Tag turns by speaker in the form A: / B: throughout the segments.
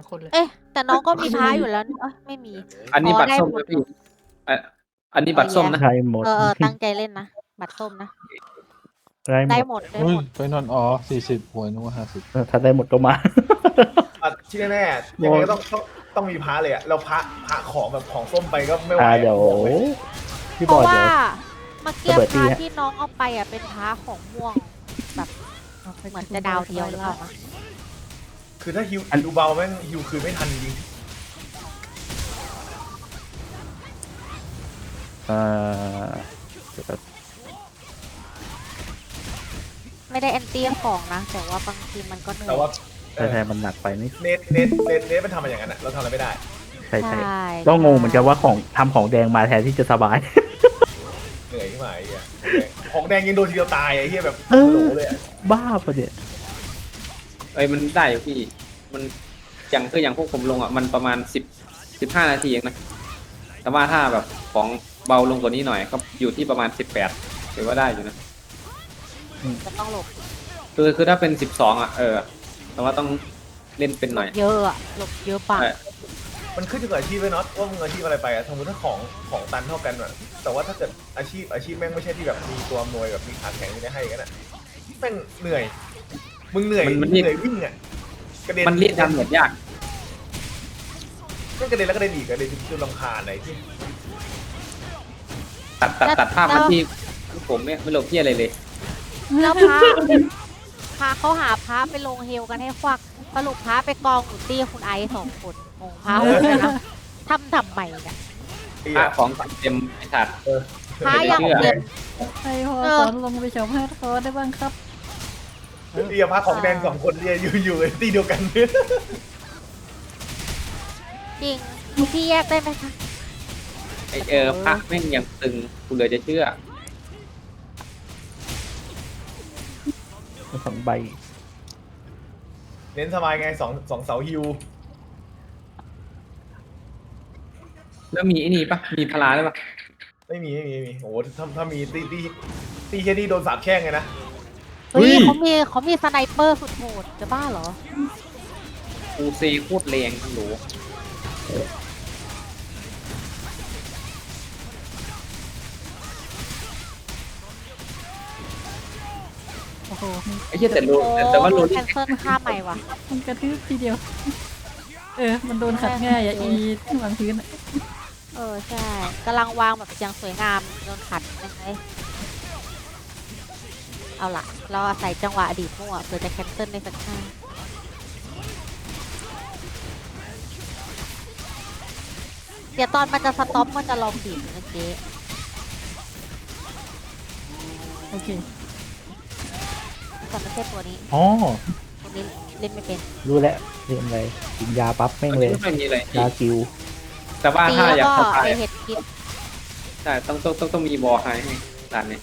A: คนเลย
B: เอ๊ะแต่น้องก็มีพ้าอยู่แล้วไม่มี
C: อันนี้บัตร
B: ได้
C: ส้ม
B: หมด
C: นะพี่อันนี้บัตรส้มนะ
D: ได้หมด
B: ตั้งใจเล่นนะบัตรส้มนะ
D: ได้ห
B: ได้
D: มด
B: หมดได้
E: เฮ้
B: ห
E: ย
B: มด
E: ไปนอน40หวยนึกว่า50
D: ถ้าได้หมดก็มา
F: ที่แน่ๆยังไงก็ต้องมีพระเลยอะเราพระของแบบของส้มไปก็ไม่ไหว
D: เดี๋ยว
F: บอกเลย
D: พี่
B: เพ
D: บอ
B: ราะ
D: ย
B: ว่า
D: เดี๋ยว
B: เมื่อกี้
D: ระเบิดตี
B: พ้า
D: ฮะ
B: ที่น้องเอาไปเป็นพ้าของม่วงแบบเหมือนจะดาวเดียวหรือเปล่านะ
F: คือถ้าฮิวดูเบาแม่งฮิวคืนไม่ทันจริง
D: เดี๋ยวแป๊บ
B: ไม่ได้แอนตี้ของนะ แต่ว่าบางทีมันก็เหนื่อย
F: แต่ว่า
D: แต่มันหนักไปนิด
F: เนทมันทำมาอย่างนั้นอะเราทำอะไรไม่ได้
D: ใช่ใช่
B: ใช่
D: ก็งงเหมือนกันว่าของทำของแดงมาแทนที่จะสบาย
F: เหนื่อยขึ้นมาไอ้เหี้ยของแดงยังโดนทีเดียวตายไอ้เหี้ยแบบ
D: เออ
F: โหลเลยอะ
D: บ้าปะเนี่ย
C: มันได้อยู่พี่มันอย่างพวกผมลงอ่ะมันประมาณ15 นาทีเองนะแต่ว่าถ้าแบบของเบาลงกว่านี้หน่อยก็อยู่ที่ประมาณ18ถือว่าได้อยู่นะ
B: จะต้องหลบ
C: คือถ้าเป็น12อ่ะแต่ว่าต้องเล่นเป็นหน่อย
B: เยอะอะหลบเยอะปะ
C: ใช่
F: มันขึ้นอยู่กับอาชีพเลยเนาะว่ามึงอาชีพอะไรไปอะสมมติถ้าของตันเท่ากันอะแต่ว่าถ้าเกิดอาชีพแม่งไม่ใช่ที่แบบมีตัวอำนวยแบบมีขาแข็งไม่ได้ให้กันอะแม่งเหนื่อยมึงเหนื่อย
C: มัน
F: เหนื่อยวิ่งอะกระเด็น
C: มันเรียกดำเหมือนยาก
F: แม่งกระเด็นแล้วกระเด็นอีกกระเด็นจนรำคาญอะไรที่
C: ตัดภาพมาที่ผมเนี่ยไม่หลบที่อะไรเลย
B: แล้วพาเขาหาพระไปลงเฮลกันให้ควักสรุปพระไปกองอยู่ตี้คุณไอซ์2 คนงงพระเลยนะทำใหม่เนี่ย
F: ไอ้
C: พระ
F: อะ
C: ของเต็มไอ้สัตว์
B: พระอย่างเต็ม
G: ให้พอสอนลงไปชมให้เขาได้บ้างครับ
F: ไอ้อะพระของแดง2 คนเนี่ยอยู่ในตีเดียวกัน
B: จริงพี่แยกได้ไหมคะ
C: พระแม่งยังตึงกูเลยจะเชื่อ
D: 2 ใบ
F: เน้นสบายไงสองเสาฮิว
C: แล้วมีไอ้นี่ปะมีพลาได้ปะ
F: ไม่มีโอ้โหถ้ามีตีแค่นี้โดนสาบแช่งไงนะ
B: เฮ้ยเขามีสไนเปอร์สุดโหดจะบ้าเหรอ
C: กูเซโคตรแรงทั้งหนู
G: โอ้โห
C: ไอ้เหี้ยแต่ว่าโรล
B: แคนเซิลค่าใหม่ว่ะ
G: มันกระทืบทีเดียว มันโดนขัดง่ายอีวางพื้น
B: ใช่กำลังวางแบบอย่างสวยงามโดนขัดยังไงเอาล่ะ เราอาศัยจังหวะอดีตมั่วเพื่อจะแคนเซิลในสักครั้งเดี๋ยวตอนมันจะสต็อปมันจะลองบีบนะเจ๊
G: โอเค
B: แต่ไม่ใช่ตัวนี้
D: อ๋อ
B: ตัวนี้เล่นไม่เป็น
D: รู้แล้วเรียนอะไรกินยาปั๊บแม่งเลย
C: ไม่มีอะไร
D: ยาคิว
C: แต่ว่า
B: ตี
C: ถ้า
B: แล้ว
C: อยาก
B: ก็
C: เข้าไป
B: ไอเห็ดพิษ
C: ใช่ต้องมีบอลให้ด่านนี้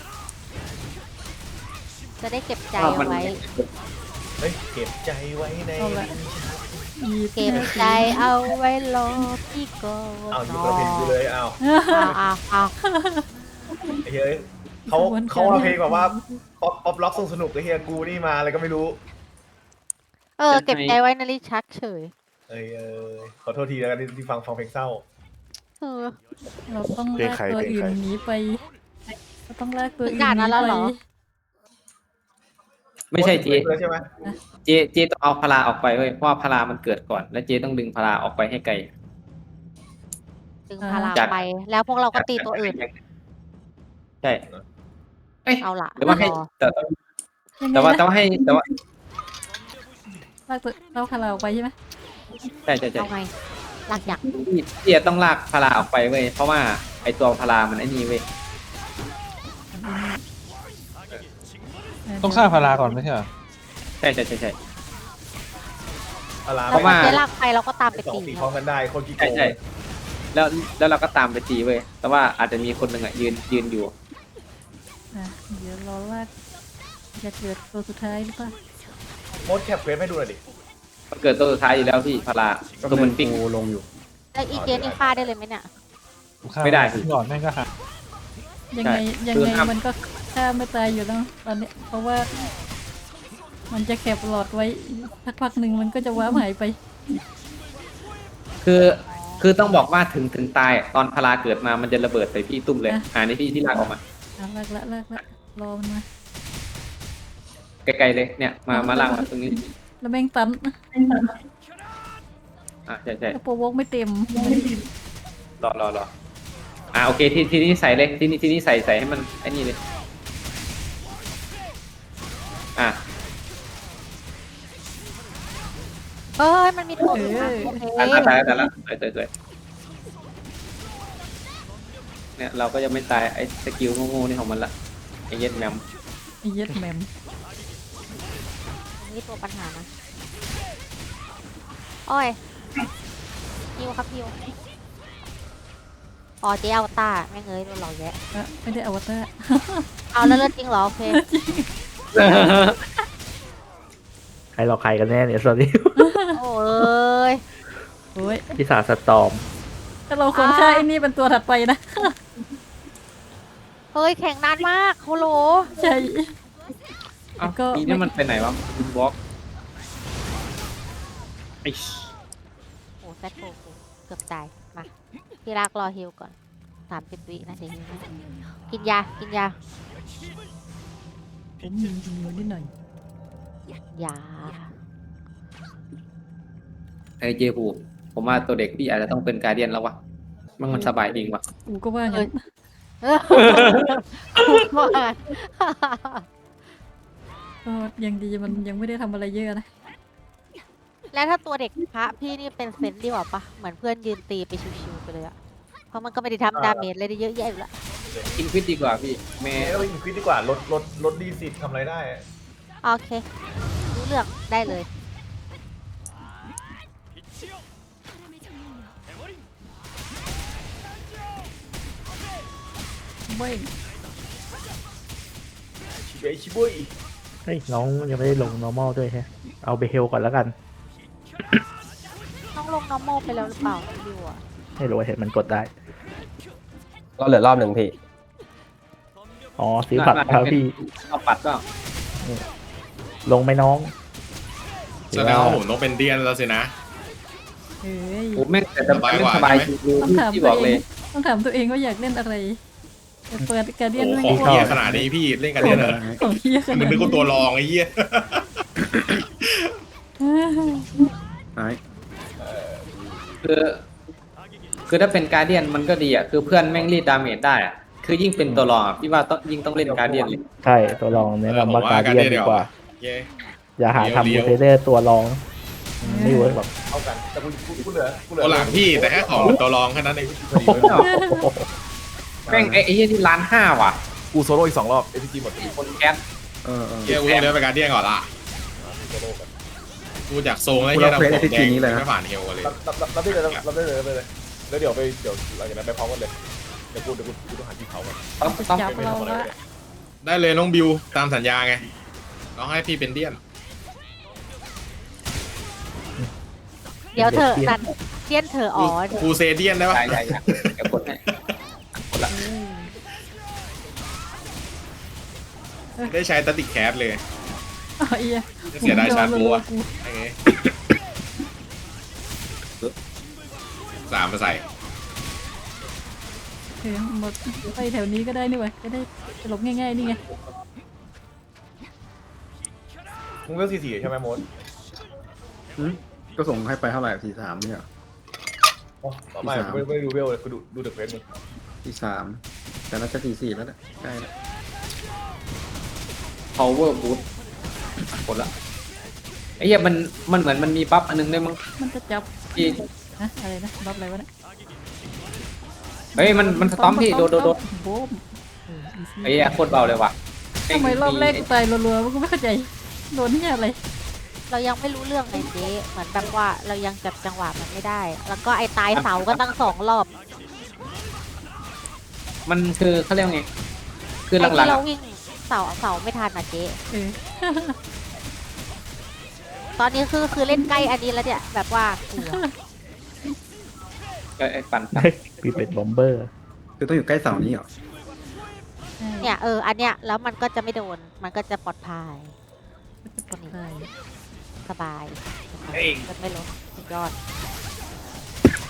B: จะได้เก็บใจ
C: ว่า
B: เอา
C: มัน
B: ไว้
F: เฮ้ยเก็บใจไว้ใน
G: เอาละ
B: เก็บใจเอาไว้รอพี่ก่อน
F: เอาอยู่กับเพลงกูเลยเอา
B: เอา
F: ไอ้เฮ้ยเขาเอาเพลงแบบว่าป๊อปล็อกสนุกไอ้เฮียกูนี่มาอะไรก็ไม่รู้
B: เก็บใจไว้ในลิ้นชักเฉย
F: ขอโทษทีแล้วกันที่ฟังเพลงเศร้า
G: เราต้องลากตัวอื่นหนีไปเราต้องลากตัวอื่น
B: ด่าน
G: ห
B: นั้
G: นี
B: นแล้ว
G: ไป
B: เหรอ
C: ไม่ใช่เจ
F: ใช่ไหม
C: เจต้องเอาพลาออกไปเว้ยเพราะว่าพลามันเกิดก่อน แล้วเจต้องดึงพลาออกไปให้ไกล
B: ดึงพลังไป แล้วพวกเราก็ตีตัวอื่น
C: ใช่เอ้ย
B: เอาล่ะ
C: หรือว่าให้
B: รอ
C: แต่ว่าให้แต่ว่า
G: ลากตัวเราพาเราออกไปใช่ไหม
C: ใช่
B: เอาไงหลักอยาก
C: เจต้องลากพลาออกไปเว้ยเพราะว่าไอตัวพลามันไอ้นี่เว้ย
E: ต้องฆ่าพาราก่อนไม่ใช่เหรอ
C: ใช่
B: แล้ว
C: เพราะว่า
B: มันจะลากไปเราก็ตามไป
F: สอง
B: ตี
F: ตีพร้อมกันได้คนกี่โก
C: ใช่
F: ง
C: แล้วเราก็ตามไปตีเว้ยแต่ว่าอาจจะมีคนหนึ่งอ่ะยืนอยู่
G: เดี๋ยวรอลากจะเกิดตัวสุดท้ายหรือเปล่า
F: โมดแคปเควสให้ดูหน่อยดิ
C: มันเกิดตัวสุดท้ายอยู่แล้วพี่พลาตัวมันปิ้ง
D: ลงอยู่
B: แล้วอีเจนนี่ฆ่าได้เลยไหมเนี่ย
C: ไม่ได้
E: หลอดแม่งก็หัก
G: ยังไง
C: ใช่
G: ยัง
C: คือ
G: ไง
C: ห้าม
G: มันก็ฆ่าไม่ตายอยู่แล้วตอนนี้เพราะว่า มันจะแคปหลอดไว้สักพักหนึ่งมันก็จะว้าหายไป
C: คือต้องบอกว่าถึงตายตอนพลาเกิดมามันจะระเบิดใส่พี่ตุ้มเลยนี่พี่ที่ลากออกมา
G: ลากละรอมันมา
C: ไกลๆเลยเนี่ยมาลากมาตรงนี้
G: แล้วแม่งตัน
C: ใช่
G: กระโปรงวกไม่เต็ม
C: รอโอเคทีนี้ใส่เลยทีนี้ใส่ให้มันไอ้นี่เลย
B: เฮ้ยมันมีตัวอื่นนะโอเค
C: ตายแล้วเนี่ยเราก็จะไม่ตายไอ้สกิลโง่ๆนี่ของมันละไอ้เย็ดแมม
G: ไอ้เย็ดแหมม
B: นี่ตัวปัญหานะโอ้ยฮิวครับฮิวอ๋อเจ๊อวตารแม่งเอ้ยโดนหลอกแยะ
G: ไม่ได้อวตาร
B: เอาแล้วเลิศจริงเหรอโอเค
D: ใครหลอกใครกันแน่เนี่ยสวัสดี
B: โอ้ย
G: โอ้ย
D: พิศาจสตอม
G: ถ้าเราควรฆ่าไอ้นี่เป็นตัวถัดไปนะ
B: เฮ้ยแข่งนานมากโฮโล
G: ใช่
C: เอ้า
G: ก็
C: ปีนี้มันไปไหนวะบินบล็อกไอ้
B: โอ้แซดโกกูเกือบตายมาพี่รักรอฮิวก่อน30 วินะเดี๋ยวฮิวให้กินยา
G: ผมยิงมือนิดหน่อย
B: ยา
C: ไอ้เจฟูผมว่าตัวเด็กพี่อาจจะต้องเป็นการเดียนแล้ววะมันสบายจริงวะ
G: กูก็ว่างั้น
B: กูว่า
G: ก็ยังดีมันยังไม่ได้ทำอะไรเยอะนะ
B: แล้วถ้าตัวเด็กพระพี่นี่เป็นเซนดีกว่าปะเหมือนเพื่อนยืนตีไปชิวๆไปเลยอะเพราะมันก็ไม่ได้ทำดาเมจอะไรได้เยอะแยะอยู่ละ
C: กินฟิตดีกว่าพี่แม่
F: เราอินควิดดีกว่าลดดีสิทำอะไรได้อะ
B: โอเครู้เรื่องได้เลย
G: เว้ย
F: ชิบุย
D: เฮ้ยน้องยังไม่ได้ลง normal ด้วยแฮะเอาเบเฮลก่อนแล้วกัน
B: ต้องลง normal ไปแล้วหรือเปล่าดิวอะ
D: ให้รู้ว่าเห็นมันกดได้
A: ก็เหลือรอบหนึ่งพี่
D: อ๋อซื้อผัดครับพี่
C: เอาปัดก็
D: ลงไหมน้อง
H: แสดงว่าผมต้องเป็นเดียนแล้วสินะ
G: เฮ้ย
C: ผมแม่งแต่สบายจริง
G: ต้องถาม
C: ที่
G: ตั
C: บ
G: ว
C: อก
G: เอ
C: เลย
G: งต้องถามตัวเองว่าอยากเล่นอะไรแต่เปิดการเดียน
H: โอ้
G: ไม่
H: ของ
G: พอ
H: เฮียขนาดนี้พี่เล่นกันเดียนเหรอ
G: ของเฮียข
H: มึ
G: นาง ด
H: นึกว่าตัวรองไอ้เหี้ย
C: คือถ้าเป็นการเดียนมันก็ดีอ่ะคือเพื่อนแม่งรีดดาเมจได้อ่ะคือยิ่งเป็นตัวรองอ่ะพี่ว่าต้องยิ่งต้องเล่นการเดียนเลย
D: ใช่ตัวรองแนะนำว่าการเดียนดีกว่า
H: เย้
D: อย่าหาทำบูเทเดอร์ตัวรองไม่เวิร์กหรอก
F: เท่ากันแต่กูเหลือ
H: ตัวหลังพี่แต่แค่ของตัวรองแค่นั้นเอง
C: แม่งไอ้เหี้ยนี่1,500,000ว่ะ
F: กูโซโล่อีก2 รอบเอทีจีหมด
C: คนแก๊ส
H: เฮียกูต้องเลี้ยงไปการเดียนก่อนละกูจากโซงแล้วเฮียเราผมแดงไม่ผ่านเฮลเลย
F: รับได้เลยแล้วเดี๋ยวหลังจากนั้นไปพร้อมกันเลยเดี๋ยวกูต้องหาที่เขาก่อน
C: ต้อง
G: จับเราละ
H: ได้เลยน้องบิวตามสัญญาไงน้องให้พี่เป็นเดียน
B: เดี๋ยวเธอนันเทียนเธออ๋อ
H: กูเซเดียนได้ปะ
C: ใช่เดี๋ยวกดให้
H: ได้ใช้ตัดติแคสเลย
G: อ๋อเอีย
H: เสียดายชาร์จบัวไอ้ไง3มาใส่
G: เฮ้ยหมดไปแถวนี้ก็ได้นี่เว้ยจะได้หลบง่ายๆนี่ไง
F: มึงเลือก44ใช่ไหมโมด
I: ก็ส่งให้ไปเท่าไหร่43เนี่ย
F: ไม่ดูเวลเลยกูดูเดอะเฟสมึง
I: 43แต่น่าจะ44แล้วแหละใกล้แล้ว
C: power boost กดละไอ้เหี้ยมันเหมือนมันมีบัฟอันนึงด้วยมั้ง
G: มันจะจับ
C: ที่
G: นะอะไรนะบัฟอะไรวะเนี่ย
C: เฮ้ยมันสตอมพี่โดน
G: โบ๊ม
C: ไอ้เหี้ยโคตรเบาเลยว่ะ
G: ทำไมรอบแรกกูตายรัวๆมันก็ไม่เข้าใจโดนที่อะไร
B: เรายังไม่รู้เรื่องไงเจ๊เหมือนแบบว่าเรายังจับจังหวะมันไม่ได้ แล้วก็ไอ้ตายเสาก็ตั้ง2 รอบ
C: มันคือเขาเรียกไงคือ
B: ไอ้
C: หลั
B: ที่
C: งๆ
B: เรา
C: อะ
B: วิ่งเสาไม่ทันอ่ะเจ๊
G: เออ
B: ตอนนี้คือเล่นใกล้อันนี้แล้วเนี่ยแบบว่ากลัว
C: ไอ้ปั่น
D: พี่เป็นบอมเบอร์
I: คือต้องอยู่ใกล้เสานี้เหรอ
B: เนี่ยอันเนี้ยแล้วมันก็จะไม่โดนมันก็จะปลอดภัย
G: ปลอดภัย
B: สบายมันไม่ลดสุดยอด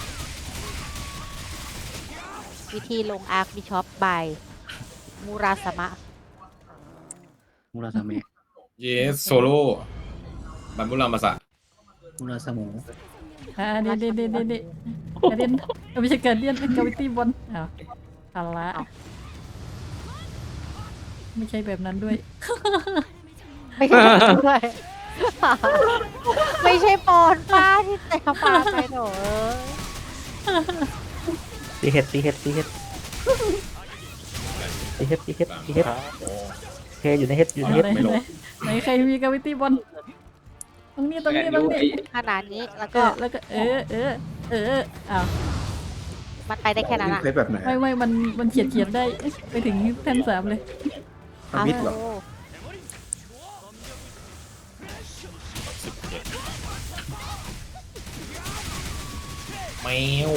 B: วิธีลงอาร์คบิชอปบายมูราสมะ
I: มูราซาเมะ
H: เยสโซโล่บัมบุรามาสะ
I: มูราซาโม
G: เด็ดกระเดียนไม่ใช่กระเดียนเป็นกาวิตี้บอลอ้าวเอาละไม่ใช่แบบนั้นด้วย
B: ไม่ใช่ด้วย ไม่ใช่ปอนป้าที่แต่ปาไปหนู
D: ตีเห็ดตีเห็ดตีเห็ดตีเห็ดตีเห็ดตีเห็ดเคอยู่ในเห็ดอยู่ในเห็ด
G: ไหนใครมีกาวิตี้บอลตรงนี้
B: ขนาดนี้แล้ว
G: ก็
B: ก็
G: แล้วก็อ้าว
B: มันไปได้แค่นั้นอะ
I: เซตแบบไหน
G: ไม่มันเขียนได้ไปถึงแท่น3เลย
I: ทำมิดเหรอ
H: แมว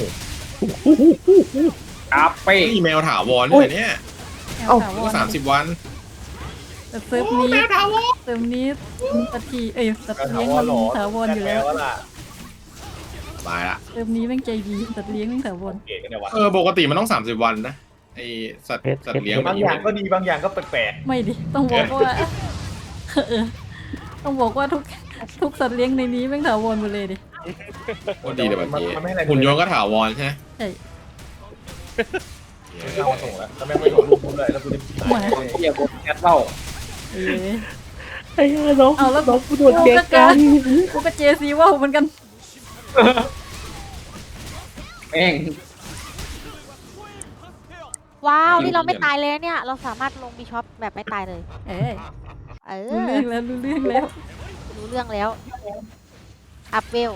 C: อาเป้
H: นี่แมวถาวรด้วยเนี่ย
G: เอ้า
H: ก็30 วัน
G: แต่เซิร์ฟนี้ตัดทีตัดเลี้ยงมันถาวรอยู่แล้ว
F: ล่ะ
H: ตายละ
G: เซิร์ฟนี้แม่งใจดีตัดเลี้ยงแม่งถาวร
F: เก๋กันเนี่ยวะ
H: ปกติมันต้อง30 วันนะไอสัตว์เลี้ยง
F: บางอย่างก็ดีบางอย่างก็แปลก
G: ไม่ดิต้องบอกว่าต้องบอกว่าทุกสัตว์เลี้ยงในนี้แม่งถาวรหมดเลยดิ
H: ก็ดีเลยแบบนี้
F: มันไม่อะไร
H: หุ่นยนต์ก็ถาวรใช่ไหม
G: ใช่
F: เอามาส่งแล้วแล้วแม่งไม่ส่งรูปกูเลยแล้วกูจะ
G: หมา
C: เทียบกับแคทเล่า
D: ไอ้น้อง
G: เอาแล้ว
D: น้องกูโดนเจ๊กัน
G: กูก็เจซีว่าเหมือนกัน
C: แม่ง
B: ว้าวนี่เราไม่ตายเลยเนี่ย เราสามารถลงบิชอปแบบไม่ตายเลย
G: เออ
B: เอ
G: รู้
B: อ
G: เรื่องแล้วรู้เรื่องแล้ว
B: รู้เรื่องแล้วอัพเวล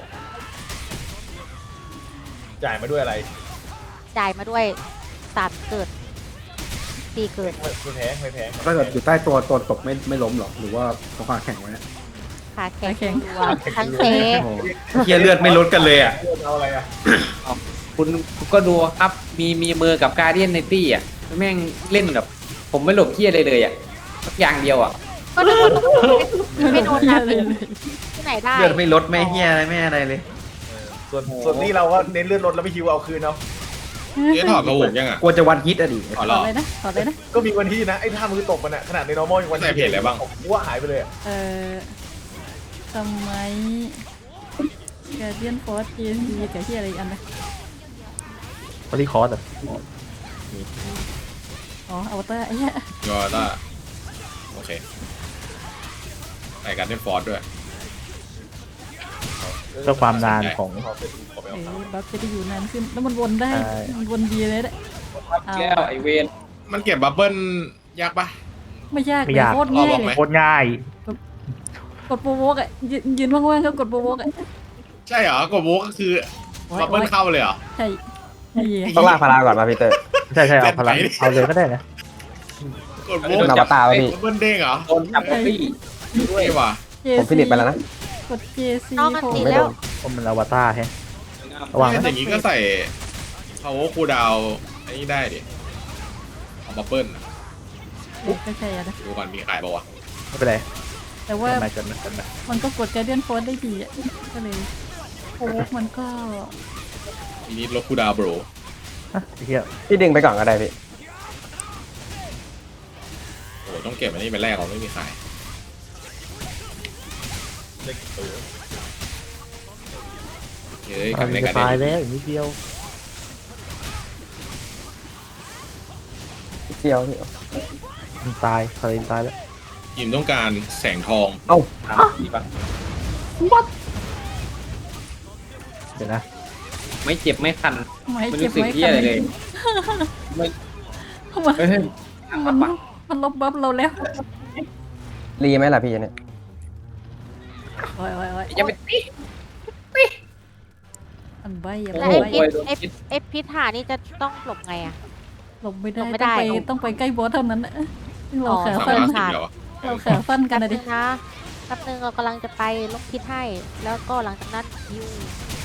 F: จ่ายมาด้วยอะไร
B: จ่ายมาด้วย3เกิด4เกิด
F: ไม่แพงไม่แพง
I: ถ้าเกิดอยู่ใต้ตัวตกไม่ล้มหรอหรือว่าเขาขาแข็งไว้
B: ขาแข็งตัวทั้งเซ
C: เทียเลือดไม่ลดกันเลยอ่ะ
F: เอาอะไรอ่ะ
C: คุณก็ดูครับมีมือกับการเดียนในตี้อ่ะแม่งเล่นกับผมไม่หลบเทียเลยอ่ะสักอย่างเดียวอ่ะ
B: ก็โดนไม่โดนนะที่ไหนได้
C: เลือดไม่ลดไม่เฮียอะไรไม่อะไรเลย
F: ส่วนนี้เราก็เน้นเลื่อนรถแล้วไม่คิวเอาคืนเอา
H: เจ๊ถอดกระโหลกยังอ่ะ
C: กลัวจะวันฮิตอะดิ
H: ถอดห
G: ถ
H: ร
G: อ
H: อ
G: ดเลยนะถอดเลยนะ
F: ก็มีวันที่นะไอ้ท่ามือตกมันอะขนาดใน normal ยังวัน
H: ใส่เพจอะไรบ้าง
F: กูว่าหายไปเลยอะ
G: ทำไมกาเดียนฟอร์สเจซีกับที่อะไรอีกอันนะ
D: พอดีคอร์สอ่ะ
G: อ๋ออวตารไอ้เหี้ย
H: ยอต้าโอเคใส่การเล่นฟอร์ดด้วย
D: เพื่อความนานของ
F: ขอเป็นขอไปเอา
G: บัฟจะได้อยู่นานขึ้นแล้วมันวนได้
D: ใช่
G: มันวนดีเลยแหละ
C: แก้วไอเวน
H: มันเก็บบับเบิ้ลยากปะ
G: ไม่ยาก
D: ไม่
G: เลย
D: ยาก
G: โคตรง่าย
H: เอาบอก
G: เล
H: ไหม
G: ย
D: โคตรง่าย
G: กดโปรโวกอ่ะยืนว่างๆก็กดโปรโวกอ่ะ
H: ใช่เหรอกดโวกก็คือบับเบิ้ลเข้าเลยเหรอ
G: ใช่นี่
A: ต้องลากพาราก่อนมาพีเตอร์
D: ใช่เอาพลังเอาเลยก็ได้นะ
H: กดโว
A: เป็นอวตารป่ะพี่
H: บับเบิ้ลเด้งเหรอ
C: โดนจับตี้
H: ด้วยว่ะ
A: ผมฟินิชไปแล้วนะ
G: กดเจซี
B: น้องมัน
G: โผล่
B: ติด
A: ไม่
B: แล้
A: โด
B: วน
D: ผมมันอวตารแฮะ ระวังนะ
H: อย่างนี้ก็ใส่ power cool down อันนี้ได้ดิเอาบับเบิ้ล
G: ก็ใช่อะนะ
H: ดูก่อนมีขายป่าวะ
D: ไม่เป็นไร
G: แต่ว่า
D: มาเกินมาเกินมา
G: มันก็กดการเดียนฟอร์สได้ดีอ่ะก็เลยโปรโวกมันก็
H: ทีนี้ลบ cool down bro
D: ฮะไอ้เหี้ย
A: พี่ดึงไปก่อนก็ได้พี่
H: โอ้โหต้องเก็บอันนี้ไปแรกเราไม่มีขาย
F: เล็กตัว
H: เฮ้ยก
D: มั
H: ลับ
D: น
H: ใน
D: จะ
H: การ
D: ตาย
H: เล่น
D: แล้วอีกนิดเดียว
A: เดียวพี่
D: มันตายคารินตายแล้ว
H: ทีมต้องการแสงทอง
A: เอ้า
C: ดีปะ
D: เดี๋ยวนะ
C: ไม่เจ็บไม่คัน
G: ไม่
C: ไม่
G: เจ็บ
C: รู้สึก
G: ไม่
C: เฮียอะไรเลย ไม่
G: มัน
C: เฮ้ย
G: มันลบบัฟเราแล้ว
A: รีไหมล่ะพี่เนี่ย
G: โอ้ย
C: อย่าไปตี
G: อันใบอย่า
B: แล้ว
G: ใบ
B: ไอ้พิษหานี่จะต้องหลบไงอะ
G: หลบไม่
B: หลบไม่
G: ได้
B: ได้
G: ต้องไปใกล้บอสเท่านั้นนะเรา
B: อ๋อ
G: ขา
H: สาม
G: สั้น
H: ร้อยสิบเดียวอะ
G: เราขาสั้นกันนะดิ
B: นะแป๊บนึงเรากำลังจะไปลบพิษให้ แล้วก็หลังจากนั้นฮิว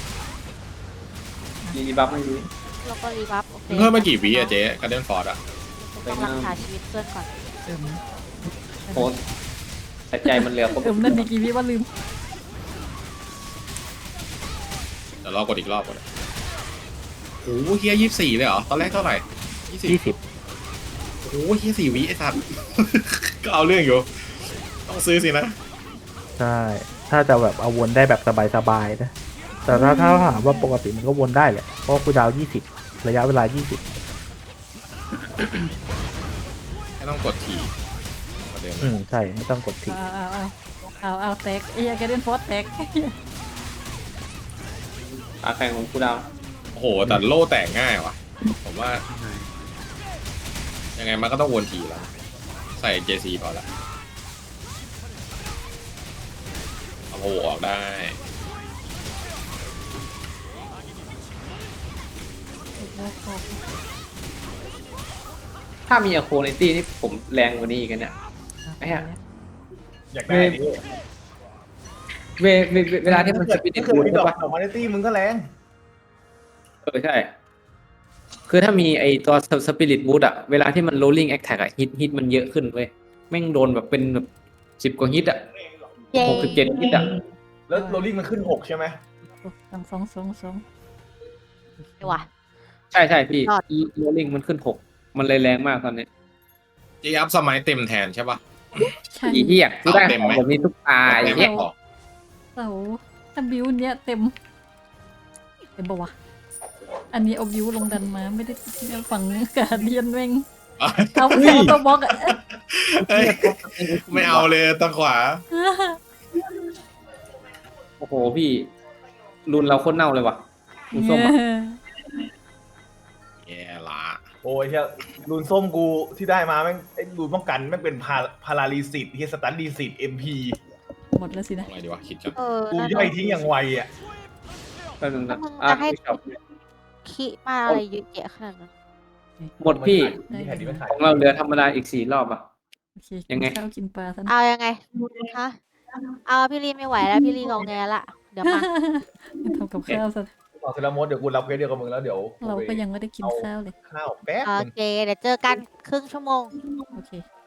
C: ดีบัฟไม่ดี
B: แล้วก็รีบัฟโอเค
H: เพิ่มมากี่วิอะเจ๊การเล่นฟอร์ดอะ
B: ต้องรักษาชีวิตเพื่อนก่อน
C: โอ้แต่ใจมันเหลือผม
G: นั่นดีกี่วิว่าลืม
H: เดี๋ยวรอกดอีกรอบก่อนโอ้โหเฮีย24เลยเหรอ ตอนแรกเท่าไหร่
D: 20
H: โอ้ยแค่4 วิไอ้สัตว์ ก็เอาเรื่องอยู่ ต้องซื้อสินะ
D: ใช่ ถ้าจะแบบเอาวนได้แบบสบายๆนะ แต่ถ้าถามว่าปกติมันก็วนได้แหละ เพราะคูลดาวน์20 ระยะเวลา 20
H: ไม่ต้องกดทีประเด็น
D: ใช่ ไม่ต้องกดทิ้ง
G: เอาแตกไอ้เหี้ยแกเดียนฟอสแตก
C: ขาแข่งของกูดาว
H: โอ้โห แต่โล่แตกง่ายว่ะ ผมว่า ยังไงมันก็ต้องวนทีแล้ว ใส่ JC พอละเอาโผล่ออกได้
C: ถ้ามีอะโคในตี้นี่ผมแรงกว่านี้อีกนะเนี่ยไอ้เหี้ย
F: อยากได้ดิ
C: เวลาที่มันสปิริต
F: ถ้าเกิด
C: บูท
F: มีด
C: ใช่
F: อก
C: ปะ
F: ดอกมาในตี้มึงก็แรง
C: ใช่ คือถ้ามีไอตัวสปิริตบูทอะเวลาที่มัน rolling attack อะฮิตมันเยอะขึ้นเว้ยแม่งโดนแบบเป็นแบบ10 กว่าฮิตอะ
B: เย้
C: 67 ฮิตอะ
F: แล้วโรลลิ่งมันขึ้น6ใช่ไหม
G: สอง
B: ว่ะ
C: ใช่พี่
B: ยอด
C: rolling มันขึ้น6มันเลยแรงมากตอนนี้
H: จีอัพสมัยเต็มแทนใช่ปะ
G: ใช่
C: อีเหี้ยกูได้
H: เต็มไหม
C: แบบนี้ทุกตาไอ้
H: เต็ม
C: เหี้ย
H: ไม่พอ
G: เสาถ้าบิวเนี้ยเต็มปะวะอันนี้เอาบิวลงดันมาไม่ได้ฝั่งกาเดียนแม่งเอาแค่ตัวบล็อกอะ
H: เอ้ยไม่เอาเลยตะขวา
C: โอ้โหพี่รุนเราโคตรเน่าเลยว่ะรุนส้มอะ
H: แย่ละ
F: โอ้ยเฮียรูนส้มกูที่ได้มาแม่งไอ้รูนป้องกันแม่งเป็นพาราลีสิตเฮียสตันดีสิตMP
G: หมดแล้วสินะ
H: ทำไงดีวะคิดกัน
F: กูย่อยทิ้งอย่างไวอ่ะ
C: แป๊บนึง
B: ถ้า
C: นะ
B: มึง
C: อ่ะ
B: จะให้
C: พี่ชอบ
B: คิมาอะไรเยอะแยะขนาดนั้น
C: หมดพี่
F: นี่แผ่นนี้ไม่ขาย
C: ของเราเหลือธรรมดาอีก4 รอบอ่ะ
G: โอเค
C: ยังไง
G: กินข้าวกินปลาซะนะ
B: เอายังไงฮะเอาพี่ลีไม่ไหวแล้วพี่ลีงองแงละเดี๋ยวมา
G: ทำกับข้าวซะ
F: ต่อเซรามดเดี๋ยวกูรับเควสเดียวกับมึงแล้วเดี๋ยว
G: เราก็ยังไม่ได้กินข้าวเลย
F: ข้าวแป๊บ
B: โอ
F: นึง
B: เคเดี๋ยวเจอกันครึ่งชั่วโมง
G: โอเค